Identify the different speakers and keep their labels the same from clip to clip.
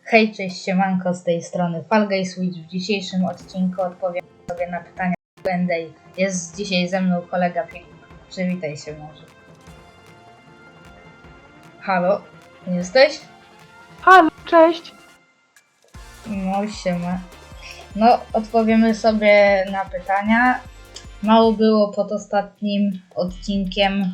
Speaker 1: Hej, cześć, siemanko, z tej strony Fall Guy Switch. W dzisiejszym odcinku odpowiem sobie na pytania Q&A. Jest dzisiaj ze mną kolega Filip. Przywitaj się może. Halo, jesteś?
Speaker 2: Halo, cześć.
Speaker 1: No, siema. No, odpowiemy sobie na pytania. Mało było pod ostatnim odcinkiem.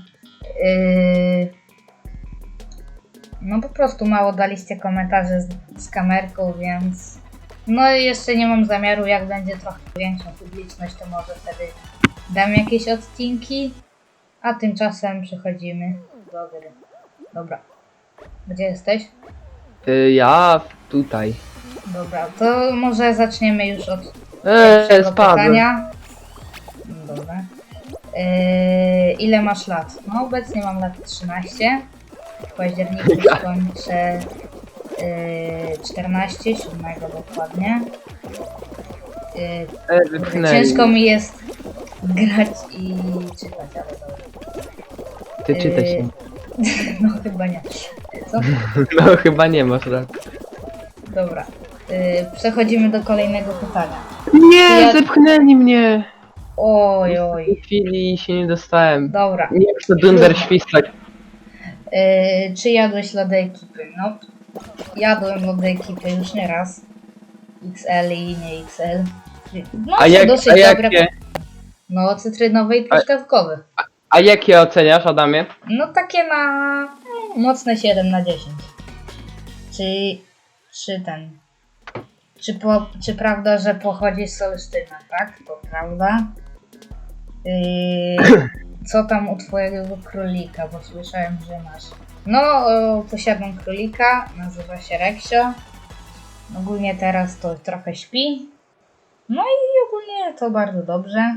Speaker 1: No po prostu mało daliście komentarzy z kamerką, więc no jeszcze nie mam zamiaru, jak będzie trochę większą publiczność, to może wtedy dam jakieś odcinki, a tymczasem przechodzimy do gry. Dobra, gdzie jesteś?
Speaker 2: Ja tutaj.
Speaker 1: Dobra, to może zaczniemy już od pierwszego
Speaker 2: Spadłem.
Speaker 1: pytania. Dobra. Ile masz lat? No obecnie mam lat 13. W październiku skończę 14, 7 dokładnie. Ciężko mi jest grać i czytać, ale dobra.
Speaker 2: Ty czytaj się.
Speaker 1: No chyba nie. Co?
Speaker 2: No chyba nie masz rak.
Speaker 1: Dobra. Przechodzimy do kolejnego pytania.
Speaker 2: Nie, zepchnęli mnie.
Speaker 1: Oj.
Speaker 2: W tej chwili się nie dostałem.
Speaker 1: Dobra.
Speaker 2: Nie wiem, co dunder świstać.
Speaker 1: Czy jadłeś lody ekipy? No, jadłem lody ekipy już nie raz. XL i nie XL. No, dosyć dobre.
Speaker 2: Jakie?
Speaker 1: No, cytrynowe i truskawkowe.
Speaker 2: A jakie oceniasz, Adamie?
Speaker 1: No, takie na mocne 7 na 10. Czy prawda, że pochodzi z Olsztyna, tak? To prawda. Co tam u twojego królika, bo słyszałem, że masz. No, posiadam królika, nazywa się Reksio. Ogólnie teraz to trochę śpi. No i ogólnie to bardzo dobrze.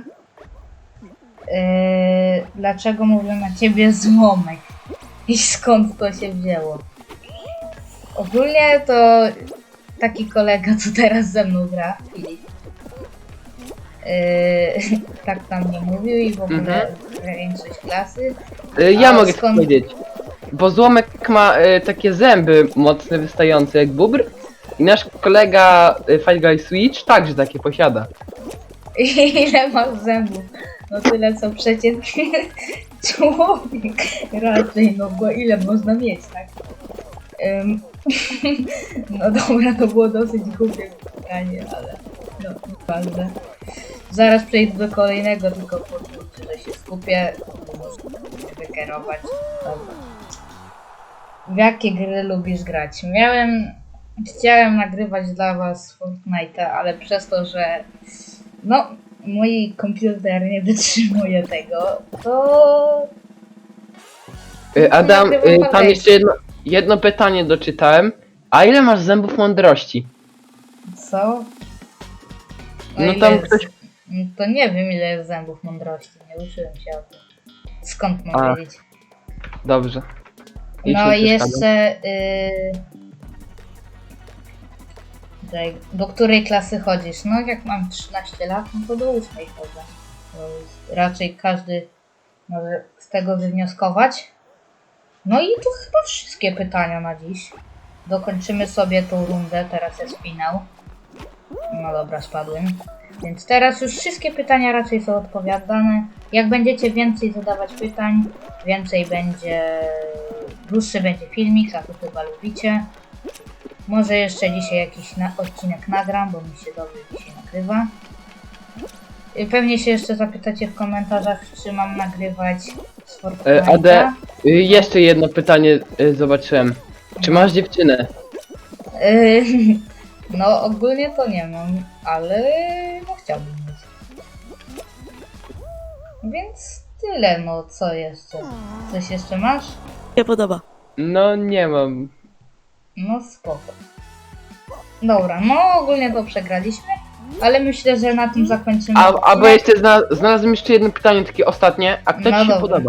Speaker 1: Dlaczego mówię na ciebie złomek? I skąd to się wzięło? Ogólnie to taki kolega, co teraz ze mną gra, Filip. Tak tam nie mówił i w ogóle większość klasy.
Speaker 2: Ja mogę powiedzieć. Bo złomek ma takie zęby mocno wystające jak bubr. I nasz kolega Fall Guy Switch także takie posiada.
Speaker 1: Ile masz zębów? No tyle co przeciętny człowiek. Raczej, no bo ile można mieć, tak? No dobra, to było dosyć głupie pytanie, ale no ważne. Zaraz przejdę do kolejnego, tylko pozwólcie, że się skupię. Muszę wykierować. Dobra. W jakie gry lubisz grać? Chciałem nagrywać dla was Fortnite'a, ale przez to, że no mój komputer nie wytrzymuje tego, to
Speaker 2: Adam, tam jeszcze jedno pytanie doczytałem. A ile masz zębów mądrości?
Speaker 1: Co?
Speaker 2: No tam ktoś...
Speaker 1: To nie wiem, ile jest zębów mądrości, nie uczyłem się o tym. Skąd mam wiedzieć?
Speaker 2: Dobrze.
Speaker 1: No i jeszcze... do której klasy chodzisz? No jak mam 13 lat, no to do 8 chodzę. Raczej każdy może z tego wywnioskować. No i to chyba wszystkie pytania na dziś. Dokończymy sobie tą rundę, teraz jest finał. No dobra, spadłem. Więc teraz już wszystkie pytania raczej są odpowiadane. Jak będziecie więcej zadawać pytań, dłuższy będzie filmik, a to chyba lubicie. Może jeszcze dzisiaj jakiś odcinek nagram, bo mi się dobrze dzisiaj nagrywa. Pewnie się jeszcze zapytacie w komentarzach, czy mam nagrywać z Fortnite'a.
Speaker 2: Jeszcze jedno pytanie zobaczyłem. Czy masz dziewczynę?
Speaker 1: No ogólnie to nie mam, ale no chciałbym mieć. Więc tyle, no co jeszcze? Coś jeszcze masz?
Speaker 3: Nie podoba.
Speaker 2: No nie mam.
Speaker 1: No spoko. Dobra, no ogólnie to przegraliśmy, ale myślę, że na tym zakończymy.
Speaker 2: Bo jeszcze znalazłem jeszcze jedno pytanie, takie ostatnie. A kto
Speaker 1: No
Speaker 2: ci się
Speaker 1: dobra.
Speaker 2: podoba?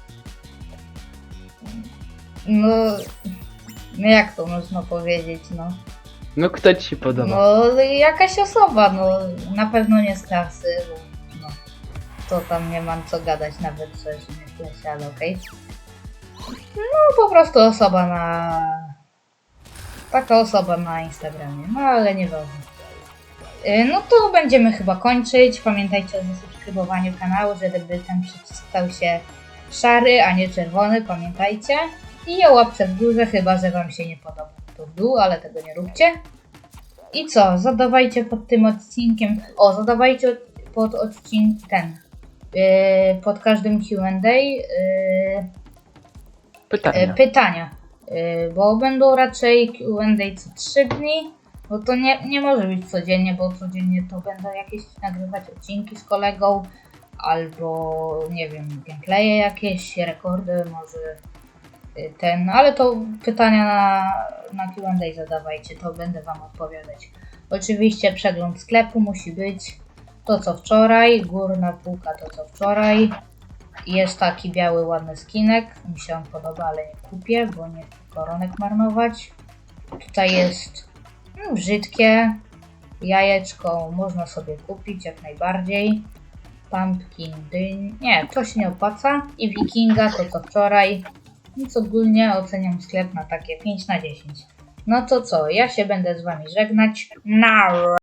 Speaker 1: No jak to można powiedzieć, no.
Speaker 2: No kto ci się podoba?
Speaker 1: No jakaś osoba, no na pewno nie z klasy, bo no to tam nie mam co gadać, nawet coś nie w klasie, ale okej. No po prostu osoba Taka osoba na Instagramie, no ale nieważne. No to będziemy chyba kończyć. Pamiętajcie o zasubskrybowaniu kanału, żeby ten przycisk stał się szary, a nie czerwony, pamiętajcie. I o łapce w górze, chyba że wam się nie podoba to w dół, ale tego nie róbcie. I co? Zadawajcie pod tym odcinkiem, zadawajcie pod odcinkiem pod każdym Q&A pytania, bo będą raczej Q&A co 3 dni, bo to nie może być codziennie, bo codziennie to będą jakieś nagrywać odcinki z kolegą, albo nie wiem, gameplaye jakieś, rekordy, może ale to pytania na Q&A zadawajcie, to będę wam odpowiadać. Oczywiście przegląd sklepu musi być to co wczoraj, górna półka to co wczoraj. Jest taki biały ładny skinek, mi się on podoba, ale nie kupię, bo nie chcę koronek marnować. Tutaj jest brzydkie, jajeczko można sobie kupić jak najbardziej. Pumpkin, dyń, nie, to się nie opłaca. I wikinga to co wczoraj. Więc ogólnie oceniam sklep na takie 5 na 10. No to co, ja się będę z wami żegnać. Now!